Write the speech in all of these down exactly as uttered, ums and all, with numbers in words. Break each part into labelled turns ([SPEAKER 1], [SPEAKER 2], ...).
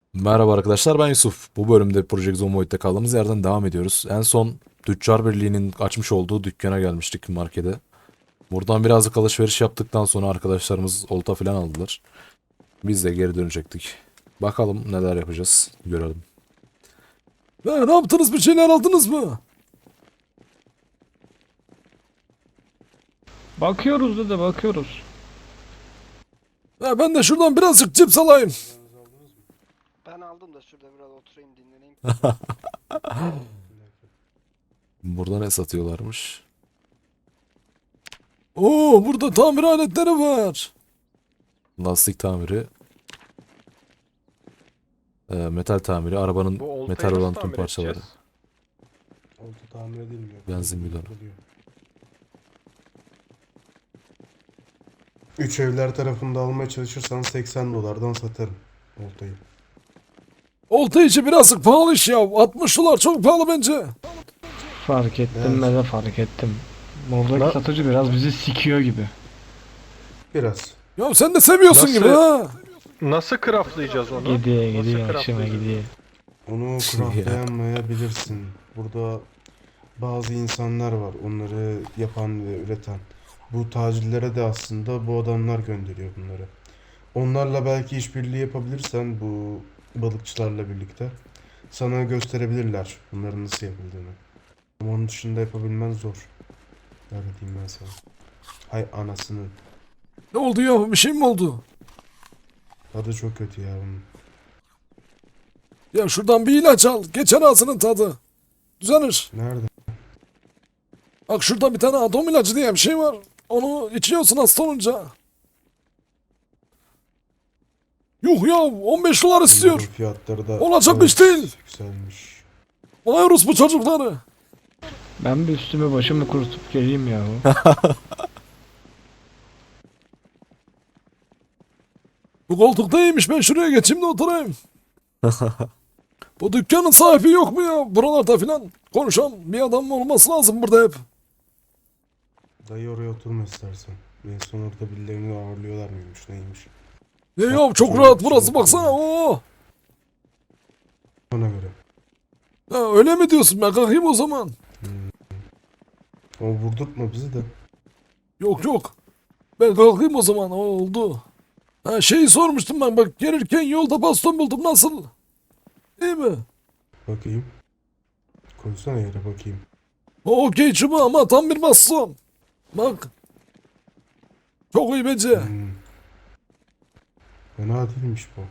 [SPEAKER 1] Merhaba arkadaşlar, ben Yusuf. Bu bölümde Project Zomboid'de kaldığımız yerden devam ediyoruz. En son Tüccar Birliği'nin açmış olduğu dükkana gelmiştik, markete. Buradan birazcık alışveriş yaptıktan sonra arkadaşlarımız olta falan aldılar. Biz de geri dönecektik. Bakalım neler yapacağız, görelim. Ve ne yaptınız, bir şeyler aldınız mı?
[SPEAKER 2] Bakıyoruz dede bakıyoruz.
[SPEAKER 1] Ve ben de şuradan birazcık cips alayım.
[SPEAKER 3] Ben aldım da şurada biraz oturayım dinleneyim.
[SPEAKER 1] Burada ne satıyorlarmış? Oo, burada tamir aletleri var. Lastik tamiri. e, metal tamiri, arabanın
[SPEAKER 4] Bu oltayı
[SPEAKER 1] metal
[SPEAKER 4] nasıl
[SPEAKER 1] olan tüm
[SPEAKER 4] tamir
[SPEAKER 1] parçaları.
[SPEAKER 4] edeceğiz?
[SPEAKER 5] Olta tamir edilmiyor.
[SPEAKER 1] Benzin bidonu.
[SPEAKER 5] Oluyor. Üç evler tarafında almaya çalışırsan seksen dolardan satarım oltayı.
[SPEAKER 1] Olta içi birazcık pahalı iş ya. altmış dolar çok pahalı bence.
[SPEAKER 2] Fark ettim
[SPEAKER 5] Evet.
[SPEAKER 2] ben de fark ettim. Buradaki
[SPEAKER 4] Na-
[SPEAKER 2] satıcı biraz bizi sikiyor gibi.
[SPEAKER 5] Biraz.
[SPEAKER 1] Ya sen de seviyorsun
[SPEAKER 4] Nasıl-
[SPEAKER 1] gibi ha.
[SPEAKER 4] Nasıl craftlayacağız onu?
[SPEAKER 2] Gidiyor
[SPEAKER 4] Nasıl
[SPEAKER 2] gidiyor akşama
[SPEAKER 4] craftlayacağız?
[SPEAKER 2] gidiyor.
[SPEAKER 5] Onu craftlayamayabilirsin. Burada bazı insanlar var. Onları yapan ve üreten. Bu tacirlere de aslında bu adamlar gönderiyor bunları. Onlarla belki işbirliği yapabilirsen bu balıkçılarla birlikte sana gösterebilirler bunların nasıl yapıldığını. Ama onun dışında yapabilmen zor. Öyle diyeyim ben sana. Hay anasının.
[SPEAKER 1] Ne oldu ya? Bir şey mi oldu?
[SPEAKER 5] Tadı çok kötü ya bunun.
[SPEAKER 1] Ya şuradan bir ilaç al. Geçer ağzının tadı. Düzenir.
[SPEAKER 5] Nerede?
[SPEAKER 1] Bak şurada bir tane atom ilacı diye bir şey var. Onu içiyorsun hasta olunca. Yuh ya, on beş dolar
[SPEAKER 5] Bunların
[SPEAKER 1] istiyor.
[SPEAKER 5] fiyatları da
[SPEAKER 1] Olacak iş değil.
[SPEAKER 5] yükselmiş.
[SPEAKER 1] Vay bu çocukları.
[SPEAKER 2] Ben bir üstümü başımı kurutup geleyim ya.
[SPEAKER 1] Bu koltukta iyiymiş, ben şuraya geçeyim de oturayım. Bu dükkanın sahibi yok mu ya? Buralarda filan konuşan bir adam olması lazım burada hep.
[SPEAKER 5] Dayı oraya oturma istersen. En son orada birilerini ağırlıyorlar mıymış neymiş.
[SPEAKER 1] Ya, ya çok rahat burası, baksana. Oo.
[SPEAKER 5] Ona göre.
[SPEAKER 1] Ha, öyle mi diyorsun? Ben kalkayım o zaman.
[SPEAKER 5] Ama vurdurtma bizi de.
[SPEAKER 1] Yok yok. Ben kalkayım o zaman. O oldu. Ha, şeyi sormuştum ben, bak gelirken yolda baston buldum, nasıl? İyi mi?
[SPEAKER 5] Bakayım. Koysana yere bakayım.
[SPEAKER 1] O okey çubuğu ama tam bir baston. Bak. Çok iyi bence.
[SPEAKER 5] Hmm. Fena değilmiş bu.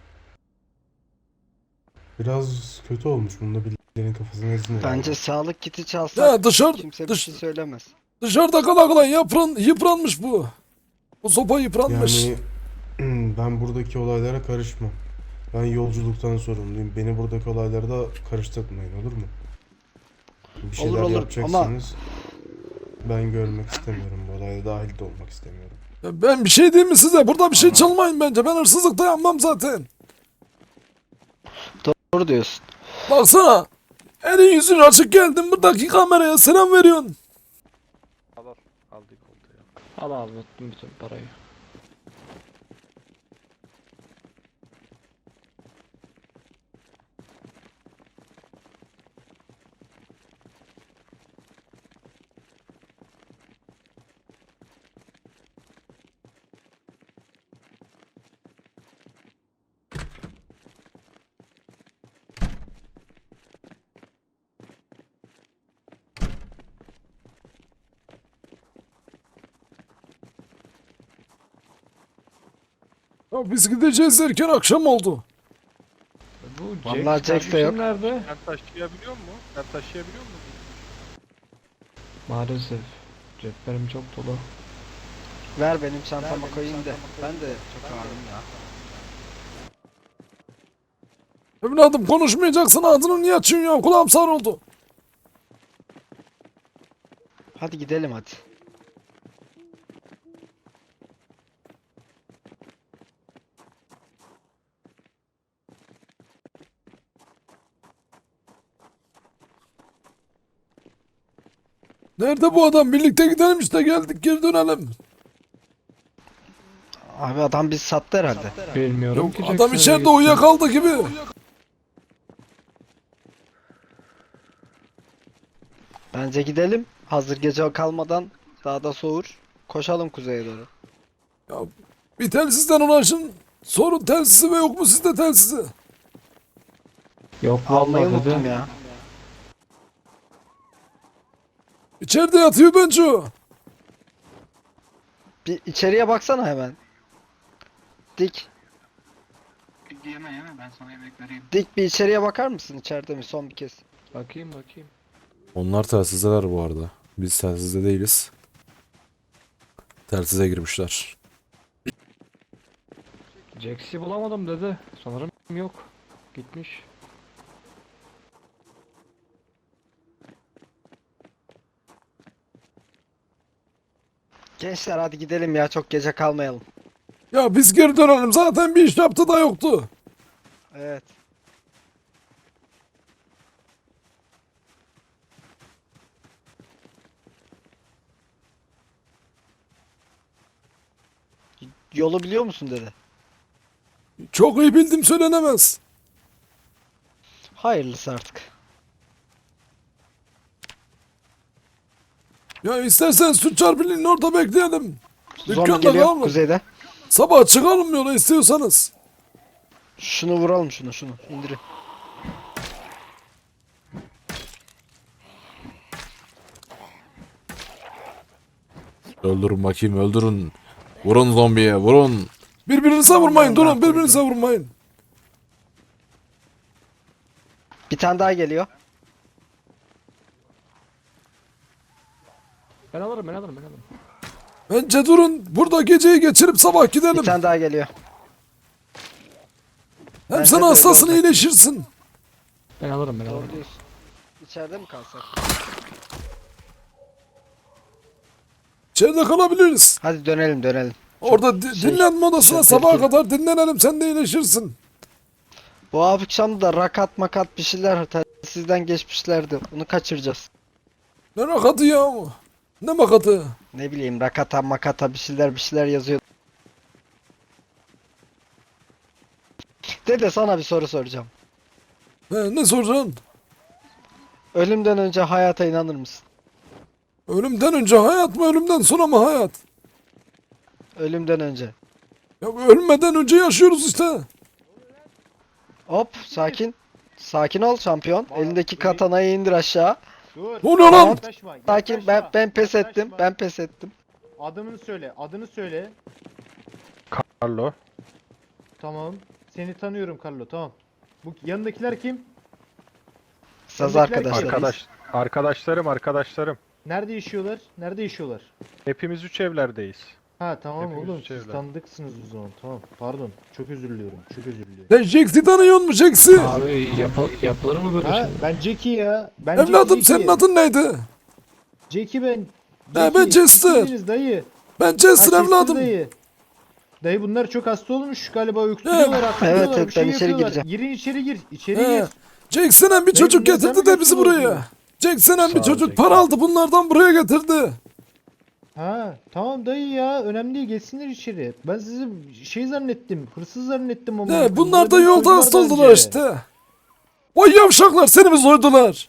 [SPEAKER 5] Biraz kötü olmuş. Bunda birilerinin kafasına ezin herhalde.
[SPEAKER 3] Bence sağlık kiti çalsak
[SPEAKER 1] Ya dışarı,
[SPEAKER 3] kimse bir
[SPEAKER 1] dış,
[SPEAKER 3] şey söylemez.
[SPEAKER 1] dışarıda kala kala yıpran, yıpranmış bu. Bu sopa yıpranmış.
[SPEAKER 5] Yani ben buradaki olaylara karışmam. Ben yolculuktan sorumluyum. Beni buradaki olaylara da karıştırmayın, olur mu? Bir şeyler
[SPEAKER 3] olur,
[SPEAKER 5] yapacaksanız ben görmek istemiyorum. Bu olaya dahil de olmak istemiyorum.
[SPEAKER 1] Ya ben bir şey diyeyim mi size? Burada bir şey çalmayın bence. Ben hırsızlık da yapmam zaten.
[SPEAKER 3] Doğru diyorsun.
[SPEAKER 1] Baksana. Elin yüzün açık geldin buradaki kameraya selam veriyorsun.
[SPEAKER 4] Al al. Aldık oltayı.
[SPEAKER 2] Al al unuttum bütün parayı.
[SPEAKER 1] Ya biz gideceğiz derken akşam oldu.
[SPEAKER 2] Bu
[SPEAKER 3] Vallahi
[SPEAKER 2] Jack
[SPEAKER 3] Jack de yok.
[SPEAKER 2] kardeşim nerede?
[SPEAKER 4] Sen taşıyabiliyor mu? Sen taşıyabiliyor musun?
[SPEAKER 2] Maalesef. Ceplerim çok dolu.
[SPEAKER 3] Ver benim çantama koyayım da. Ben de çok ağırım ya.
[SPEAKER 1] Evladım konuşmayacaksın, ağzını niye açıyorsun ya? Kulağım sağır oldu.
[SPEAKER 3] Hadi gidelim hadi.
[SPEAKER 1] Nerede bu adam? Birlikte gidelim işte, geldik geri dönelim.
[SPEAKER 3] Abi adam bizi sattı herhalde.
[SPEAKER 2] Bilmiyorum
[SPEAKER 1] Yok
[SPEAKER 2] ki
[SPEAKER 1] adam
[SPEAKER 2] Jackson
[SPEAKER 1] içeride
[SPEAKER 2] nereye gitti.
[SPEAKER 1] uyuyakaldı gibi.
[SPEAKER 3] Bence gidelim. Hazır gece kalmadan daha da soğur. Koşalım kuzeye doğru.
[SPEAKER 1] Ya bir telsizden ulaşın. Sorun telsizi ve yok mu sizde telsizi?
[SPEAKER 2] Yok
[SPEAKER 3] Almayı
[SPEAKER 2] vallahi
[SPEAKER 3] unuttum
[SPEAKER 2] dedi.
[SPEAKER 3] ya.
[SPEAKER 1] İçeride yatıyor bence o.
[SPEAKER 3] Bir içeriye baksana hemen. Dik.
[SPEAKER 6] Yeme yeme ben sana yemek vereyim.
[SPEAKER 3] Dik bir içeriye bakar mısın? İçeride mi? Son bir kez.
[SPEAKER 2] Bakayım bakayım.
[SPEAKER 1] Onlar telsizdeler bu arada. Biz telsizde değiliz. Telsize girmişler.
[SPEAKER 2] Jax'i bulamadım dedi. Sanırım yok. Gitmiş.
[SPEAKER 3] Gençler hadi gidelim ya. Çok gece kalmayalım.
[SPEAKER 1] Ya biz geri dönelim. Zaten bir iş yaptı da yoktu.
[SPEAKER 3] Evet. Yolu biliyor musun dedi.
[SPEAKER 1] Çok iyi bildim söylenemez.
[SPEAKER 3] Hayırlısı artık.
[SPEAKER 1] Ya istersen Sütçar Birliği'nin orada bekleyelim.
[SPEAKER 3] Zombi
[SPEAKER 1] Dükkanda
[SPEAKER 3] geliyor
[SPEAKER 1] kalma.
[SPEAKER 3] kuzeyde.
[SPEAKER 1] Sabah çıkalım yola istiyorsanız.
[SPEAKER 3] Şunu vuralım şunu şunu. İndirin.
[SPEAKER 1] Öldürün bakayım öldürün. Vurun zombiye vurun. Birbirinize vurmayın durun birbirinize vurmayın.
[SPEAKER 3] Bir tane daha geliyor.
[SPEAKER 2] Ben alırım ben alırım ben alırım.
[SPEAKER 1] Bence durun. Burada geceyi geçirip sabah
[SPEAKER 3] Bir
[SPEAKER 1] gidelim.
[SPEAKER 3] tane daha geliyor.
[SPEAKER 1] Hem
[SPEAKER 3] bence
[SPEAKER 1] sen
[SPEAKER 3] de öyle
[SPEAKER 1] hastasın
[SPEAKER 3] olacak.
[SPEAKER 1] iyileşirsin.
[SPEAKER 2] Ben alırım ben
[SPEAKER 3] Doğru
[SPEAKER 2] alırım.
[SPEAKER 3] diyorsun. İçeride mi kalsak?
[SPEAKER 1] İçeride kalabiliriz.
[SPEAKER 3] Hadi dönelim dönelim.
[SPEAKER 1] Orada di-
[SPEAKER 3] şey,
[SPEAKER 1] dinlenme odasına
[SPEAKER 3] çok
[SPEAKER 1] sabaha
[SPEAKER 3] tehlikeli.
[SPEAKER 1] kadar dinlenelim sen de iyileşirsin.
[SPEAKER 3] Bu akşam da rakat makat bir şeyler sizden geçmişlerdi. Onu kaçıracağız.
[SPEAKER 1] Ne rakatı ya? Ne makatı?
[SPEAKER 3] Ne bileyim rakata makata bir şeyler bir şeyler yazıyor. Dede sana bir soru soracağım.
[SPEAKER 1] He, ne soracaksın?
[SPEAKER 3] Ölümden önce hayata inanır mısın?
[SPEAKER 1] Ölümden önce hayat mı ölümden sonra mı hayat?
[SPEAKER 3] Ölümden önce.
[SPEAKER 1] Ya ölmeden önce yaşıyoruz işte.
[SPEAKER 3] Hop sakin. Sakin ol şampiyon. Elindeki katanayı indir aşağı.
[SPEAKER 7] Dur.
[SPEAKER 1] Ne oluyor lan?
[SPEAKER 7] Yaklaşma,
[SPEAKER 3] Sakin ben
[SPEAKER 7] yaklaşma,
[SPEAKER 3] ben pes ettim.
[SPEAKER 7] yaklaşma.
[SPEAKER 3] Ben pes ettim.
[SPEAKER 7] Adını söyle, adını söyle.
[SPEAKER 4] Carlo.
[SPEAKER 7] Tamam. Seni tanıyorum Carlo, tamam. Bu yanındakiler kim?
[SPEAKER 3] Saz
[SPEAKER 7] Öndekiler
[SPEAKER 3] arkadaşlar.
[SPEAKER 4] Arkadaş, arkadaşlarım arkadaşlarım.
[SPEAKER 7] Nerede yaşıyorlar? Nerede yaşıyorlar?
[SPEAKER 4] Hepimiz üç evlerdeyiz.
[SPEAKER 7] Ha tamam
[SPEAKER 4] Hepimiz
[SPEAKER 7] oğlum siz
[SPEAKER 4] çevre.
[SPEAKER 7] tanıdıksınız o zaman. Tamam. Pardon. Çok özür diliyorum. Çok özür diliyorum.
[SPEAKER 1] Sen Jax'i tanıyor musun Jax'i?
[SPEAKER 2] Abi yapı, yapılır mı böyle
[SPEAKER 7] Ha
[SPEAKER 2] şey?
[SPEAKER 7] ben Jackie ya. Ben
[SPEAKER 1] Evladım
[SPEAKER 7] Jackie,
[SPEAKER 1] senin adın neydi?
[SPEAKER 7] Jackie ben.
[SPEAKER 1] ben Chester.
[SPEAKER 7] kimsiniz dayı?
[SPEAKER 1] Ben Chester
[SPEAKER 7] Ha,
[SPEAKER 1] evladım.
[SPEAKER 7] Dayı. Dayı bunlar çok hasta olmuş galiba uyuşturuyorlar, atlıyorlar,
[SPEAKER 3] Evet, evet,
[SPEAKER 7] bir şey
[SPEAKER 3] ben içeri
[SPEAKER 7] yapıyorlar.
[SPEAKER 3] gireceğim.
[SPEAKER 7] Girin içeri gir. İçeri
[SPEAKER 1] He.
[SPEAKER 7] gir.
[SPEAKER 1] Jack Senen bir çocuk
[SPEAKER 7] bunları sen
[SPEAKER 1] getirdi
[SPEAKER 7] mi
[SPEAKER 1] de bizi
[SPEAKER 7] götürüyorsun?
[SPEAKER 1] buraya. Jack Senen bir
[SPEAKER 4] Sağ ol
[SPEAKER 1] çocuk
[SPEAKER 4] Jack.
[SPEAKER 1] para aldı bunlardan buraya getirdi.
[SPEAKER 7] Ha tamam dayı ya önemli değil geçsinler içeri. Ben sizi şey zannettim hırsız zannettim ama.
[SPEAKER 1] Ne bunlar da
[SPEAKER 7] Bunlar
[SPEAKER 1] yolda
[SPEAKER 7] soydular
[SPEAKER 1] hasta oldular
[SPEAKER 7] bence.
[SPEAKER 1] işte. Vay yavşaklar seni mi soydular?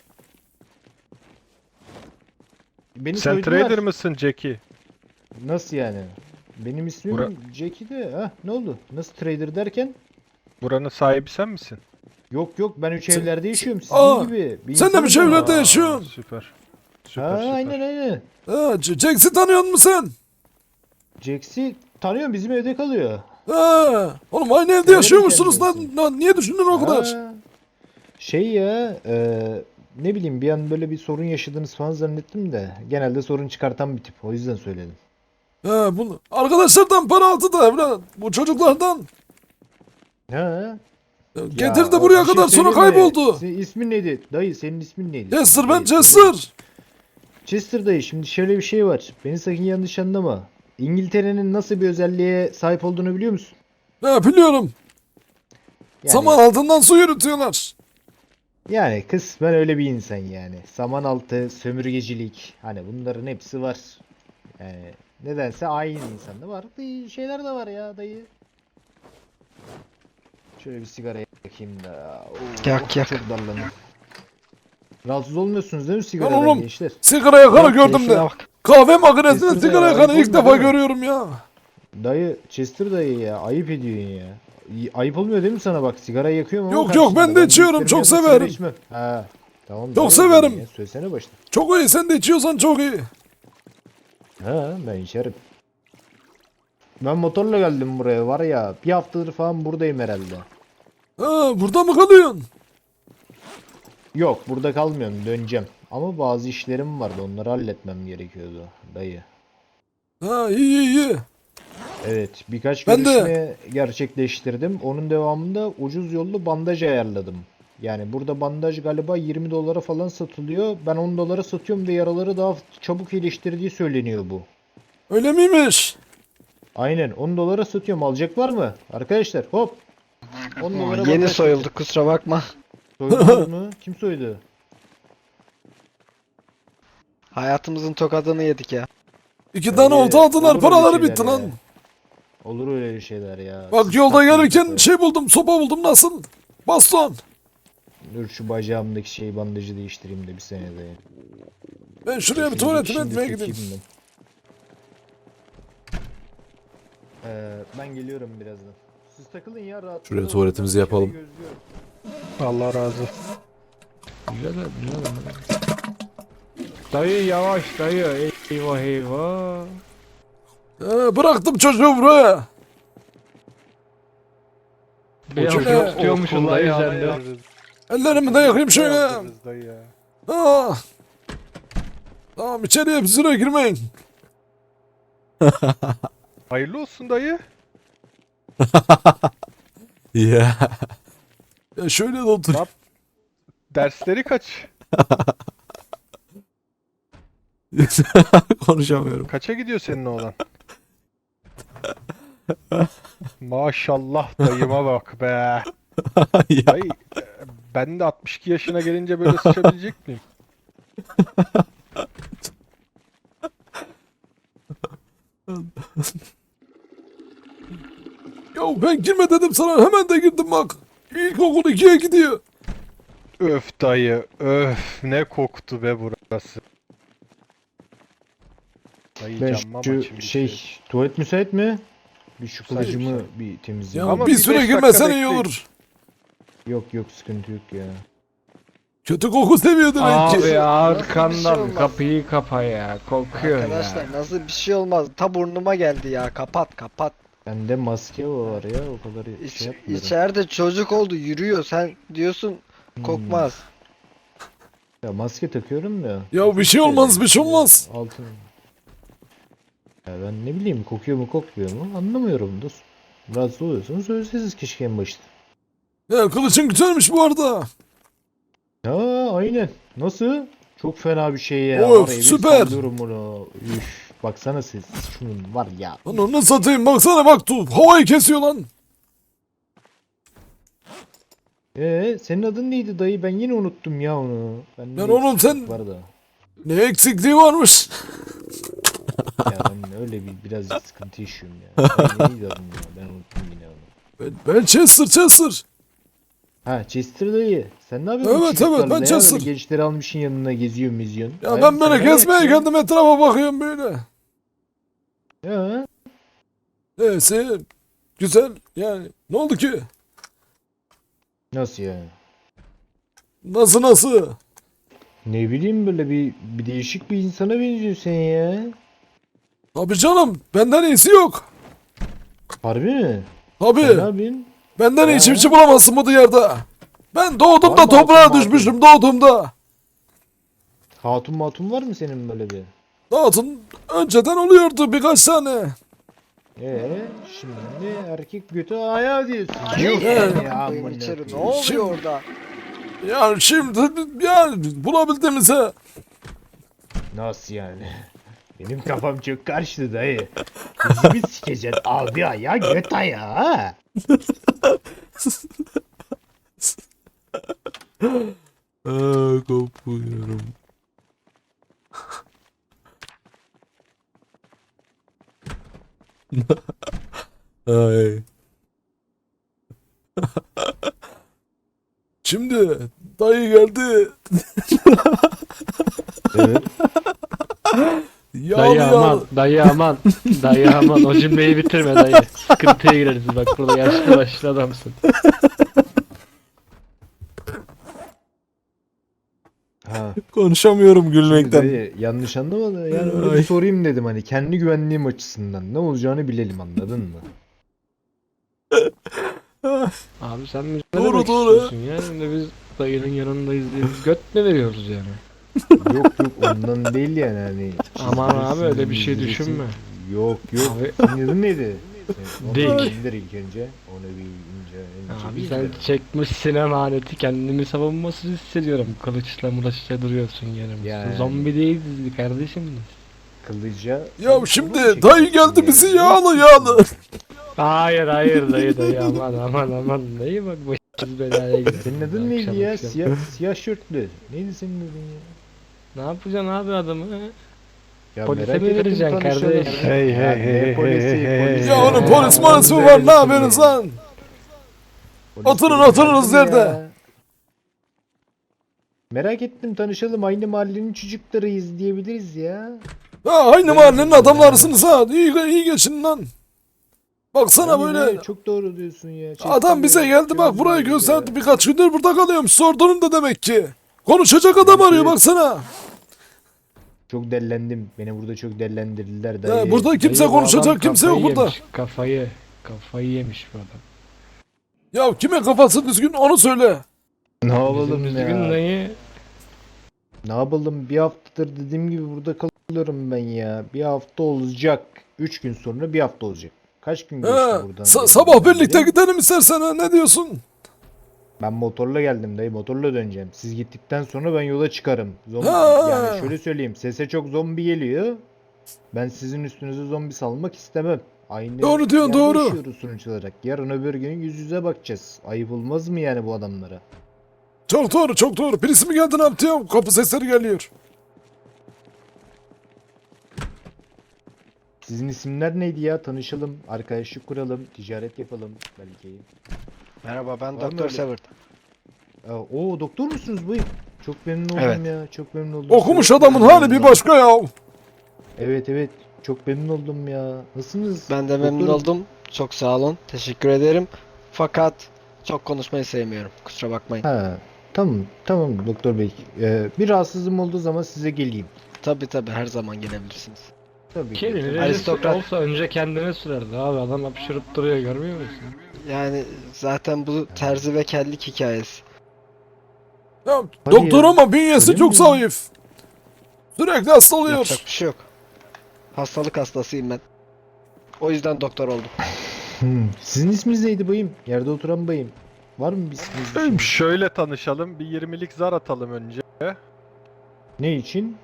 [SPEAKER 7] Beni
[SPEAKER 4] Sen
[SPEAKER 7] soydular.
[SPEAKER 4] trader mısın Jackie?
[SPEAKER 7] Nasıl yani? Benim ismim
[SPEAKER 4] Bura-
[SPEAKER 7] Jackie de. Ha ne oldu? Nasıl trader derken?
[SPEAKER 4] Buranın sahibi sen misin?
[SPEAKER 7] Yok yok ben üç
[SPEAKER 1] Sen-
[SPEAKER 7] evlerde yaşıyorum sizin
[SPEAKER 1] Aa,
[SPEAKER 7] gibi. Bir
[SPEAKER 1] sen de mi
[SPEAKER 7] insanım ben.
[SPEAKER 1] çevrede
[SPEAKER 4] Aa,
[SPEAKER 1] yaşıyorsun?
[SPEAKER 4] Süper. Süper
[SPEAKER 7] Ha
[SPEAKER 4] süper.
[SPEAKER 7] aynen aynen.
[SPEAKER 1] Ha, J- Jax'i tanıyor musun sen?
[SPEAKER 7] Jax'i tanıyorum bizim evde kalıyor.
[SPEAKER 1] Ha, oğlum aynı evde
[SPEAKER 7] Öyle mi
[SPEAKER 1] yaşıyormuşsunuz lan.
[SPEAKER 7] kendisi?
[SPEAKER 1] Lan niye düşündün o kadar?
[SPEAKER 7] Ha, şey ya e, ne bileyim bir an böyle bir sorun yaşadınız falan zannettim de genelde sorun çıkartan bir tip o yüzden söyledim.
[SPEAKER 1] Ha, bunu arkadaşlardan para aldı da evlat. Bu çocuklardan.
[SPEAKER 7] Ha.
[SPEAKER 1] Getirdi
[SPEAKER 7] Ya,
[SPEAKER 1] buraya
[SPEAKER 7] bir şey
[SPEAKER 1] kadar sonra
[SPEAKER 7] söyleyeyim mi?
[SPEAKER 1] kayboldu.
[SPEAKER 7] Senin ismin neydi? Dayı senin ismin neydi?
[SPEAKER 1] Chester ben
[SPEAKER 7] Dayı,
[SPEAKER 1] Chester.
[SPEAKER 7] Chester dayı şimdi şöyle bir şey var. Beni sakın yanlış anlama. İngiltere'nin nasıl bir özelliğe sahip olduğunu biliyor musun?
[SPEAKER 1] Ha, biliyorum.
[SPEAKER 7] Yani,
[SPEAKER 1] Saman altından su yürütüyorlar.
[SPEAKER 7] yani kısmen öyle bir insan yani. Saman altı, sömürgecilik hani bunların hepsi var. Yani Nedense aynı insanda var. Dayı, şeyler de var ya dayı. Şöyle bir sigara yakayım da. Oo,
[SPEAKER 3] Yak, yak.
[SPEAKER 7] Çok darlanıyor. Rahatsız olmuyorsunuz değil mi
[SPEAKER 1] Lan
[SPEAKER 7] sigaradan
[SPEAKER 1] oğlum.
[SPEAKER 7] gençler?
[SPEAKER 1] Sigara yakanı
[SPEAKER 3] Bak,
[SPEAKER 1] gördüm
[SPEAKER 3] keyfine
[SPEAKER 1] de.
[SPEAKER 3] bak.
[SPEAKER 1] Kahve makinesinde
[SPEAKER 7] Kesin
[SPEAKER 1] sigara
[SPEAKER 7] ya,
[SPEAKER 1] yakanı
[SPEAKER 7] ayıp
[SPEAKER 1] ilk
[SPEAKER 7] olmuyor
[SPEAKER 1] defa
[SPEAKER 7] değil mi?
[SPEAKER 1] görüyorum ya.
[SPEAKER 7] Dayı Chester dayı ya ayıp ediyorsun ya. İyi- Ayıp olmuyor değil mi sana bak sigara yakıyorum ama
[SPEAKER 1] Yok, yok, ben
[SPEAKER 7] karşında.
[SPEAKER 1] de içiyorum,
[SPEAKER 7] büyüklerim
[SPEAKER 1] çok
[SPEAKER 7] yanında sigara
[SPEAKER 1] severim.
[SPEAKER 7] içmem. Ha. Tamam.
[SPEAKER 1] Çok
[SPEAKER 7] dayı,
[SPEAKER 1] severim.
[SPEAKER 7] Ya. Söylesene başta.
[SPEAKER 1] Çok iyi, sen de içiyorsan çok iyi.
[SPEAKER 7] Ha ben içerim. Ben motorla geldim buraya var ya bir haftadır falan buradayım herhalde.
[SPEAKER 1] Ha, burada mı kalıyorsun?
[SPEAKER 7] Yok burada kalmıyorum döneceğim. Ama bazı işlerim vardı onları halletmem gerekiyordu dayı.
[SPEAKER 1] Ha, iyi iyi iyi.
[SPEAKER 7] Evet birkaç
[SPEAKER 1] Ben de.
[SPEAKER 7] görüşme gerçekleştirdim. Onun devamında ucuz yollu bandaj ayarladım. Yani burada bandaj galiba yirmi dolara falan satılıyor. Ben on dolara satıyorum ve yaraları daha çabuk iyileştirdiği söyleniyor bu.
[SPEAKER 1] Öyle miymiş?
[SPEAKER 7] Aynen on dolara satıyorum. Alacak var mı? Arkadaşlar hop. on dolara
[SPEAKER 3] Yeni
[SPEAKER 7] bandaj
[SPEAKER 3] soyulduk kusura bakma.
[SPEAKER 7] Soydunuz mu? Kim soydu?
[SPEAKER 3] Hayatımızın tokadını yedik ya.
[SPEAKER 1] İki
[SPEAKER 7] Öyle-
[SPEAKER 1] tane olta aldılar,
[SPEAKER 7] olur öyle
[SPEAKER 1] paraları
[SPEAKER 7] şeyler
[SPEAKER 1] bitti
[SPEAKER 7] ya.
[SPEAKER 1] lan.
[SPEAKER 7] Olur öyle şeyler ya.
[SPEAKER 1] Bak
[SPEAKER 7] Siz
[SPEAKER 1] yolda
[SPEAKER 7] takmayın
[SPEAKER 1] gelirken
[SPEAKER 7] kafaya.
[SPEAKER 1] şey buldum, sopa buldum, nasıl? Baston.
[SPEAKER 7] Dur şu bacağımdaki şey bandajı değiştireyim de bir senede.
[SPEAKER 1] Ben şuraya bir
[SPEAKER 7] Şimdi-
[SPEAKER 1] tuvaletime
[SPEAKER 7] şimdi
[SPEAKER 1] etmeye
[SPEAKER 7] takayım
[SPEAKER 1] gideyim.
[SPEAKER 7] ben. Ee, ben geliyorum birazdan. Siz takılın ya rahat.
[SPEAKER 1] Şuraya tuvaletimizi yapalım.
[SPEAKER 4] Allah razı olsun.
[SPEAKER 2] Güzel güzel. Dayı yavaş dayı. Eyvah eyvah.
[SPEAKER 1] Ha, bıraktım çocuğu buraya.
[SPEAKER 2] Biraz
[SPEAKER 1] Hocam,
[SPEAKER 2] çok
[SPEAKER 1] o
[SPEAKER 2] tutuyormuşsun dayı sen de.
[SPEAKER 1] Ellerimi de yakayım şöyle.
[SPEAKER 4] Yaptınız dayı ya.
[SPEAKER 1] Ha. Tamam, içeriye bir süre girmeyin.
[SPEAKER 4] Hayırlı olsun dayı.
[SPEAKER 1] Ya. Ya şöyle de otur.
[SPEAKER 4] Yap. Dersleri kaç?
[SPEAKER 1] Konuşamıyorum.
[SPEAKER 4] Kaça gidiyor senin oğlan? Maşallah dayıma bak be.
[SPEAKER 1] Ya.
[SPEAKER 4] Dayı e, ben de altmış iki yaşına gelince böyle sıçabilecek miyim?
[SPEAKER 1] Ya ben girme dedim sana, hemen de girdim bak. İlkokul ikiye gidiyor.
[SPEAKER 4] Öf dayı, öf ne koktu be burası. Dayı
[SPEAKER 7] Ben
[SPEAKER 4] camma
[SPEAKER 7] şu
[SPEAKER 4] maçım
[SPEAKER 7] şey tuvalet müsait mi? Bir şu
[SPEAKER 4] Müsait,
[SPEAKER 7] kılıcımı
[SPEAKER 4] müsait.
[SPEAKER 7] bir
[SPEAKER 1] Ya
[SPEAKER 7] temizleyeyim.
[SPEAKER 4] Ama
[SPEAKER 1] bir
[SPEAKER 4] bir
[SPEAKER 1] süre
[SPEAKER 4] beş dakika
[SPEAKER 1] girmesen iyi
[SPEAKER 4] bekleyin.
[SPEAKER 1] olur.
[SPEAKER 7] Yok yok sıkıntı yok ya.
[SPEAKER 1] Kötü koku seviyor demek ki.
[SPEAKER 2] Abi
[SPEAKER 3] Nasıl bir şey
[SPEAKER 2] arkandan
[SPEAKER 3] olmaz?
[SPEAKER 2] kapıyı kapa ya. Kokuyor
[SPEAKER 3] Arkadaşlar
[SPEAKER 2] ya.
[SPEAKER 3] nasıl bir şey olmaz. Ta burnuma geldi ya. Kapat kapat.
[SPEAKER 7] Bende maske var ya o kadar
[SPEAKER 3] İç,
[SPEAKER 7] şey yapmıyorum.
[SPEAKER 3] içeride çocuk oldu yürüyor. Sen diyorsun
[SPEAKER 7] Hmm.
[SPEAKER 3] kokmaz.
[SPEAKER 7] Ya maske takıyorum ya.
[SPEAKER 1] Ya bir şey olmaz, bir şey olmaz.
[SPEAKER 7] Altın. Ya ben ne bileyim kokuyor mu kokmuyor mu anlamıyorum dostum. Rahatsız oluyorsanız söyleseniz keşke en başta.
[SPEAKER 1] Ya kılıçın güzelmiş bu arada.
[SPEAKER 7] Ya aynen. Nasıl? Çok fena bir şey ya.
[SPEAKER 1] Of,
[SPEAKER 7] Var ya, bir
[SPEAKER 1] süper.
[SPEAKER 7] sallıyorum bunu. Üf. Baksana siz. Şunun var ya.
[SPEAKER 1] Lan onu satayım, baksana bak, tu havayı kesiyor lan.
[SPEAKER 7] Ee, senin adın neydi dayı? Ben yine unuttum ya onu. Ben
[SPEAKER 1] Lan oğlum sen-
[SPEAKER 7] var da.
[SPEAKER 1] Ne eksikliği varmış.
[SPEAKER 7] Ya ben öyle bir birazcık sıkıntı yaşıyorum ya. Ay, neydi adın ya? Ben unuttum yine onu.
[SPEAKER 1] Ben, ben Chester, Chester.
[SPEAKER 7] Ha Chester dayı. Sen ne yapıyorsun?
[SPEAKER 1] Evet,
[SPEAKER 7] bu çocuklarla
[SPEAKER 1] evet, ben
[SPEAKER 7] ya? Böyle
[SPEAKER 1] Chester.
[SPEAKER 7] gençleri almışsın yanına geziyorsun meziyorsun.
[SPEAKER 1] Ya
[SPEAKER 7] Hayır,
[SPEAKER 1] ben böyle
[SPEAKER 7] sen ne
[SPEAKER 1] gezmeye
[SPEAKER 7] yapıyorsun?
[SPEAKER 1] geldim, etrafa bakıyorum böyle.
[SPEAKER 7] Ya.
[SPEAKER 1] Neyse, güzel yani. Ne oldu ki?
[SPEAKER 7] Nasıl yani?
[SPEAKER 1] Nasıl nasıl?
[SPEAKER 7] Ne bileyim böyle bir, bir değişik bir insana benziyorsun sen ya.
[SPEAKER 1] Tabii canım, benden iyisi yok.
[SPEAKER 7] Harbi mi?
[SPEAKER 1] Tabii,
[SPEAKER 7] Sen ne yapıyorsun?
[SPEAKER 1] benden iyi
[SPEAKER 7] Ha?
[SPEAKER 1] çiftçi bulamazsın bu diyarda. Ben doğduğumda
[SPEAKER 7] Var mı
[SPEAKER 1] toprağa
[SPEAKER 7] altın,
[SPEAKER 1] düşmüştüm, doğduğumda.
[SPEAKER 7] Hatun matun var mı senin böyle bir?
[SPEAKER 1] Dağıtın önceden oluyordu birkaç tane.
[SPEAKER 7] Ee, şimdi erkek götü ayağı diyorsun.
[SPEAKER 3] Yok
[SPEAKER 7] yani
[SPEAKER 3] ya,
[SPEAKER 7] amına
[SPEAKER 3] içeri ne
[SPEAKER 7] koyayım.
[SPEAKER 3] oluyor
[SPEAKER 1] Şimdi-
[SPEAKER 3] orada?
[SPEAKER 1] Yani şimdi yani bulabildiğimize.
[SPEAKER 7] Nasıl yani? Benim kafam çok karıştı dayı. Bizi mi sikeceksin abi ayağı göt ayağı ha?
[SPEAKER 1] Aa, kopuyorum. Ay. Şimdi dayı geldi.
[SPEAKER 2] Evet.
[SPEAKER 1] Yağlı
[SPEAKER 2] Dayı
[SPEAKER 1] yağlı.
[SPEAKER 2] aman, dayı aman, dayı aman. O cümleyi bitirme dayı. Sıkıntıya gireriz bak, burada yaşlı başlı adamsın.
[SPEAKER 7] Ha.
[SPEAKER 1] Konuşamıyorum
[SPEAKER 7] Şimdi
[SPEAKER 1] gülmekten.
[SPEAKER 7] dayı, yanlış anlama da yani öyle
[SPEAKER 1] Ay.
[SPEAKER 7] bir sorayım dedim, hani kendi güvenliğim açısından ne olacağını bilelim, anladın mı?
[SPEAKER 2] Abi sen bize ne
[SPEAKER 1] Doğru,
[SPEAKER 2] demek
[SPEAKER 1] doğru.
[SPEAKER 2] istiyorsun ya? Şimdi biz dayının yanındayız diye biz göt mü veriyoruz yani?
[SPEAKER 7] Yok yok, ondan değil yani, hani.
[SPEAKER 2] Aman abi, öyle bir şey
[SPEAKER 7] çizdirirsin,
[SPEAKER 2] düşünme.
[SPEAKER 7] Yok yok.
[SPEAKER 2] Abi-
[SPEAKER 7] Senin adın neydi? Onu
[SPEAKER 2] Dik.
[SPEAKER 7] bir indir ilk önce. Onu bir ince ince
[SPEAKER 2] Abi
[SPEAKER 7] bir
[SPEAKER 2] sen
[SPEAKER 7] indir.
[SPEAKER 2] çekmişsin emaneti, kendimi savunmasız hissediyorum. Kılıçla mıraçla duruyorsun yanımızda.
[SPEAKER 7] Yani.
[SPEAKER 2] Zombi değiliz kardeşim biz.
[SPEAKER 7] Kılıca.
[SPEAKER 1] Ya
[SPEAKER 7] Sen
[SPEAKER 1] şimdi
[SPEAKER 7] kılıç
[SPEAKER 1] dayı
[SPEAKER 7] çekeceksin
[SPEAKER 1] geldi bizi
[SPEAKER 7] yani.
[SPEAKER 1] yağlı yağlı.
[SPEAKER 2] Hayır hayır dayı dayı aman aman aman dayı, bak başımız belaya girer.
[SPEAKER 7] Senin adın
[SPEAKER 2] Akşam
[SPEAKER 7] neydi ya?
[SPEAKER 2] akşam.
[SPEAKER 7] Siyah, siyah şortlu. Neydi senin adın ya?
[SPEAKER 2] Ne yapacaksın abi adamı?
[SPEAKER 7] Ya
[SPEAKER 2] Polise
[SPEAKER 7] merak
[SPEAKER 2] mi
[SPEAKER 7] ettim,
[SPEAKER 2] vereceksin
[SPEAKER 7] tanışalım.
[SPEAKER 2] kardeş?
[SPEAKER 4] Hey,
[SPEAKER 7] Ya
[SPEAKER 4] hey,
[SPEAKER 7] ne
[SPEAKER 4] hey, hey,
[SPEAKER 7] polisi,
[SPEAKER 4] hey, hey,
[SPEAKER 7] polisi.
[SPEAKER 1] Ya onun
[SPEAKER 2] Ee,
[SPEAKER 1] polis molisi mi var, ne yapıyorsunuz lan?
[SPEAKER 7] Polis
[SPEAKER 1] Oturun,
[SPEAKER 7] değil,
[SPEAKER 1] oturunuz
[SPEAKER 7] tanıdım
[SPEAKER 1] yerde.
[SPEAKER 7] ya. Merak ettim, tanışalım, aynı mahallenin çocuklarıyız diyebiliriz ya.
[SPEAKER 1] Ha, aynı mahallenin adamlarısınız ha. İyi, iyi geçin lan. Baksana
[SPEAKER 7] Aynen
[SPEAKER 1] böyle.
[SPEAKER 7] öyle, çok doğru diyorsun ya.
[SPEAKER 1] Adam bize
[SPEAKER 7] Çektim ya,
[SPEAKER 1] geldi bak
[SPEAKER 7] gördüm
[SPEAKER 1] burayı
[SPEAKER 7] ya.
[SPEAKER 1] gösterdi. Birkaç gündür burada kalıyormuş. Sordum da demek ki. Konuşacak adam
[SPEAKER 7] Evet,
[SPEAKER 1] arıyor
[SPEAKER 7] evet.
[SPEAKER 1] baksana.
[SPEAKER 7] Çok dellendim. Beni burada çok dellendirdiler
[SPEAKER 1] Ya
[SPEAKER 7] dayı.
[SPEAKER 1] burada kimse
[SPEAKER 2] Dayı, bu
[SPEAKER 1] konuşacak
[SPEAKER 2] adam
[SPEAKER 1] kimse yok
[SPEAKER 2] kafayı
[SPEAKER 1] burada.
[SPEAKER 2] yemiş, Kafayı, kafayı yemiş bu adam.
[SPEAKER 1] Ya kime kafası düzgün onu söyle.
[SPEAKER 7] Ne
[SPEAKER 2] Bizim
[SPEAKER 7] yapalım
[SPEAKER 2] düzgün
[SPEAKER 7] ya?
[SPEAKER 2] dayı.
[SPEAKER 7] Ne yapalım? Bir haftadır dediğim gibi burada kalıyorum ben ya. Bir hafta olacak. Üç gün sonra bir hafta olacak. Kaç gün geçti
[SPEAKER 1] Ha,
[SPEAKER 7] buradan?
[SPEAKER 1] sa-
[SPEAKER 7] geldiğimden
[SPEAKER 1] sabah birlikte
[SPEAKER 7] beri?
[SPEAKER 1] gidelim istersen ha, ne diyorsun?
[SPEAKER 7] Ben motorla geldim dayı. Motorla döneceğim. Siz gittikten sonra ben yola çıkarım. Zombi,
[SPEAKER 1] Ha.
[SPEAKER 7] yani şöyle söyleyeyim. Sese çok zombi geliyor. Ben sizin üstünüze zombi salmak istemem. Aynı
[SPEAKER 1] Doğru diyorsun,
[SPEAKER 7] yerde
[SPEAKER 1] doğru.
[SPEAKER 7] yaşıyoruz sonuç olarak. Yarın öbür gün yüz yüze bakacağız. Ayıp olmaz mı yani bu adamlara?
[SPEAKER 1] Çok doğru çok doğru. Birisi mi geldi ne yaptı ya? Kapı sesleri geliyor.
[SPEAKER 7] Sizin isimler neydi ya? Tanışalım, arkadaşlık kuralım, ticaret yapalım belki.
[SPEAKER 3] Merhaba, ben
[SPEAKER 7] Var mı
[SPEAKER 3] Doktor
[SPEAKER 7] öyle?
[SPEAKER 3] Severt.
[SPEAKER 7] Aa, Oo, doktor musunuz bu? Çok memnun oldum
[SPEAKER 3] Evet.
[SPEAKER 7] ya. Çok memnun oldum.
[SPEAKER 1] Okumuş
[SPEAKER 7] Çok
[SPEAKER 1] adamın
[SPEAKER 7] memnun
[SPEAKER 1] hali bir
[SPEAKER 7] oldum.
[SPEAKER 1] başka ya.
[SPEAKER 7] Evet evet. Çok memnun oldum ya. Nasılsınız?
[SPEAKER 3] Ben de memnun
[SPEAKER 7] Doktorum.
[SPEAKER 3] oldum. Çok sağ olun. Teşekkür ederim. Fakat çok konuşmayı sevmiyorum. Kusura bakmayın.
[SPEAKER 7] Ha, tamam tamam doktor bey. Ee, bir rahatsızlığım olduğu zaman size geleyim.
[SPEAKER 3] Tabi tabi, her zaman gelebilirsiniz.
[SPEAKER 7] Tabii ki.
[SPEAKER 2] Kelini
[SPEAKER 7] tabii.
[SPEAKER 3] Aristokrat.
[SPEAKER 2] olsa önce kendine sürerdi abi, adam hapşırıp duruyor, görmüyor musun?
[SPEAKER 3] Yani zaten bu terzi ve kellik hikayesi.
[SPEAKER 1] Ya,
[SPEAKER 7] Hadi
[SPEAKER 1] doktor
[SPEAKER 7] ya.
[SPEAKER 1] ama bünyesi
[SPEAKER 7] Öyle
[SPEAKER 1] çok
[SPEAKER 7] mi?
[SPEAKER 1] zayıf. Sürekli hasta oluyor.
[SPEAKER 3] Yapacak bir şey yok. Hastalık hastasıyım ben. O yüzden doktor oldum.
[SPEAKER 7] Hmm. Sizin isminiz neydi bayım? Yerde oturan bayım. Var mı bir isminiz?
[SPEAKER 4] Beyim, şöyle tanışalım. Bir yirmilik zar atalım önce.
[SPEAKER 7] Ne için?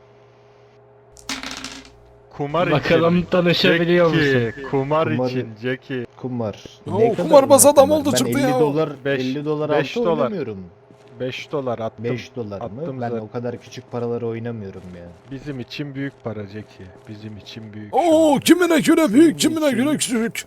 [SPEAKER 4] Kumar
[SPEAKER 2] Bakalım
[SPEAKER 4] için.
[SPEAKER 2] tanışabiliyor musun?
[SPEAKER 4] Jackie, kumar
[SPEAKER 7] Kumar-
[SPEAKER 4] için Jackie.
[SPEAKER 7] Kumar.
[SPEAKER 1] Oo,
[SPEAKER 7] Ne kadar
[SPEAKER 1] kumarbaz
[SPEAKER 7] bunlar
[SPEAKER 1] adam
[SPEAKER 7] kumar?
[SPEAKER 1] oldu
[SPEAKER 7] Ben
[SPEAKER 1] çıktı
[SPEAKER 7] elli
[SPEAKER 1] ya.
[SPEAKER 7] dolar,
[SPEAKER 4] Beş-
[SPEAKER 7] elli dolar
[SPEAKER 4] beş
[SPEAKER 7] altı
[SPEAKER 4] dolar.
[SPEAKER 7] oynamıyorum.
[SPEAKER 4] beş dolar attım.
[SPEAKER 7] beş dolar mı?
[SPEAKER 4] attım
[SPEAKER 7] Ben
[SPEAKER 4] zaten.
[SPEAKER 7] o kadar küçük paraları oynamıyorum ya.
[SPEAKER 4] Bizim için büyük para Jackie. Bizim için büyük. şu
[SPEAKER 1] Oo
[SPEAKER 4] an.
[SPEAKER 1] kimine göre büyük
[SPEAKER 7] Senin
[SPEAKER 1] kimine
[SPEAKER 7] için-
[SPEAKER 1] göre küçük.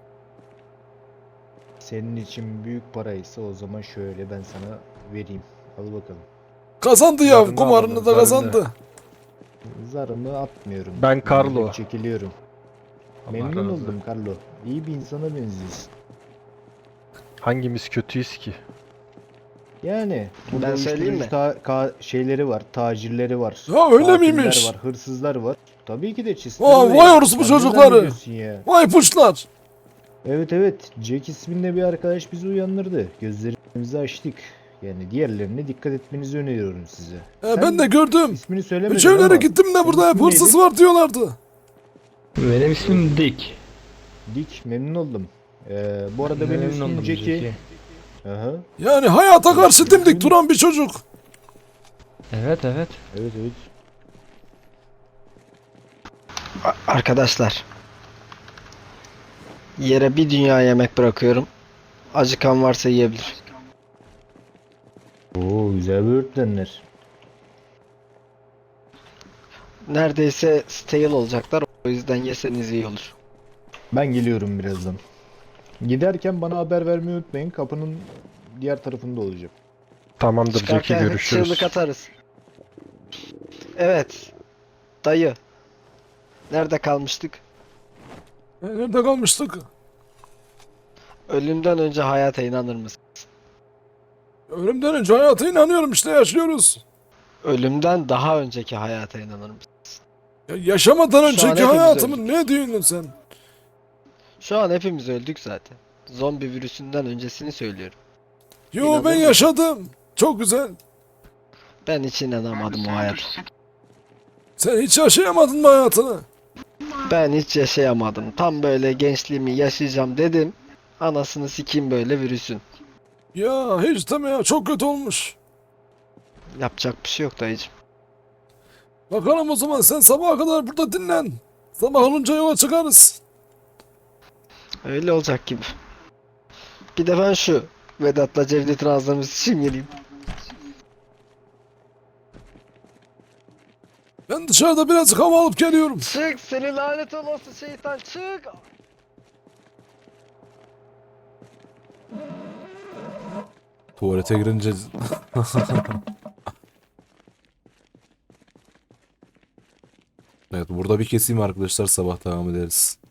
[SPEAKER 7] Senin için büyük paraysa o zaman şöyle ben sana vereyim. Al bakalım.
[SPEAKER 1] Kazandı ya,
[SPEAKER 4] Zarını
[SPEAKER 1] kumarını
[SPEAKER 4] alalım,
[SPEAKER 1] da
[SPEAKER 4] zarını.
[SPEAKER 1] kazandı.
[SPEAKER 7] Zarımı atmıyorum.
[SPEAKER 4] Ben Carlo.
[SPEAKER 7] Ben çekiliyorum.
[SPEAKER 4] Allah
[SPEAKER 7] Memnun
[SPEAKER 4] razı
[SPEAKER 7] oldum Carlo. İyi bir insana benziyorsun.
[SPEAKER 4] Hangimiz kötüyüz ki?
[SPEAKER 7] Yani burada
[SPEAKER 3] Ben söyleyeyim
[SPEAKER 7] uyuşturucu
[SPEAKER 3] mi?
[SPEAKER 7] ta- ka- şeyleri var, tacirleri var.
[SPEAKER 1] Ya öyle
[SPEAKER 7] katiller
[SPEAKER 1] miymiş?
[SPEAKER 7] var, hırsızlar var. Tabii ki de çister.
[SPEAKER 1] Aa, vay orospu çocukları.
[SPEAKER 7] Ya.
[SPEAKER 1] Vay puşlar.
[SPEAKER 7] Evet evet, Jack isminde bir arkadaş bizi uyandırdı. Gözlerimizi açtık. Yani diğerlerine dikkat etmenizi öneriyorum size.
[SPEAKER 1] E,
[SPEAKER 7] Sen
[SPEAKER 1] ben de gördüm.
[SPEAKER 7] ismini söylemedin
[SPEAKER 1] Üç evlere
[SPEAKER 7] ama
[SPEAKER 1] gittim de
[SPEAKER 7] senin
[SPEAKER 1] burada hep
[SPEAKER 7] ismin
[SPEAKER 1] hırsız
[SPEAKER 7] neydi?
[SPEAKER 1] var diyorlardı.
[SPEAKER 2] Benim ismim Dick.
[SPEAKER 7] Dick, memnun oldum. Ee, bu arada benim
[SPEAKER 2] Memnun
[SPEAKER 7] ismim
[SPEAKER 2] oldum
[SPEAKER 7] Jackie.
[SPEAKER 2] Jackie.
[SPEAKER 7] Aha.
[SPEAKER 1] Yani hayata karşı dimdik duran bir çocuk.
[SPEAKER 2] Evet evet.
[SPEAKER 7] Evet evet.
[SPEAKER 3] A- Arkadaşlar. Yere bir dünya yemek bırakıyorum. Acıkan varsa yiyebilir.
[SPEAKER 7] Oo, güzel böğürtlenler.
[SPEAKER 3] Neredeyse stale olacaklar. O yüzden yeseniz iyi olur.
[SPEAKER 7] Ben geliyorum birazdan. Giderken bana haber vermeyi unutmayın. Kapının diğer tarafında olacağım.
[SPEAKER 4] Tamamdır Jackie,
[SPEAKER 3] Çıkarken
[SPEAKER 4] görüşürüz.
[SPEAKER 3] çığlık atarız. Evet. Dayı. Nerede kalmıştık?
[SPEAKER 1] E, Nerede kalmıştık?
[SPEAKER 3] Ölümden önce hayata inanır mısın?
[SPEAKER 1] Ölümden önce hayata inanıyorum, işte yaşıyoruz.
[SPEAKER 3] Ölümden daha önceki hayata inanır mısın?
[SPEAKER 1] Ya yaşamadan
[SPEAKER 3] Şu an
[SPEAKER 1] önceki
[SPEAKER 3] hepimiz
[SPEAKER 1] hayatımın ne diyorsun sen?
[SPEAKER 3] Şu an hepimiz öldük zaten. Zombi virüsünden öncesini söylüyorum.
[SPEAKER 1] Yo,
[SPEAKER 3] İnanır
[SPEAKER 1] ben
[SPEAKER 3] mısın?
[SPEAKER 1] yaşadım. Çok güzel.
[SPEAKER 3] Ben hiç inanamadım o hayata.
[SPEAKER 1] Sen hiç yaşayamadın mı hayatını?
[SPEAKER 3] Ben hiç yaşayamadım. Tam böyle gençliğimi yaşayacağım dedim. Anasını sikeyim böyle virüsün.
[SPEAKER 1] Ya hiç deme ya, çok kötü olmuş.
[SPEAKER 3] Yapacak bir şey yok dayıcım.
[SPEAKER 1] Bakalım o zaman, sen sabaha kadar burada dinlen. Sabah olunca yola çıkarız.
[SPEAKER 3] Öyle olacak gibi. Bir de ben şu Vedat'la Cevdet'in ağzını sıçayım geleyim.
[SPEAKER 1] Ben dışarıda birazcık hava alıp geliyorum.
[SPEAKER 3] Çık seni lanet olası şeytan çık.
[SPEAKER 1] Tuvalete girince... Evet, burada bir keseyim arkadaşlar, sabah devam ederiz.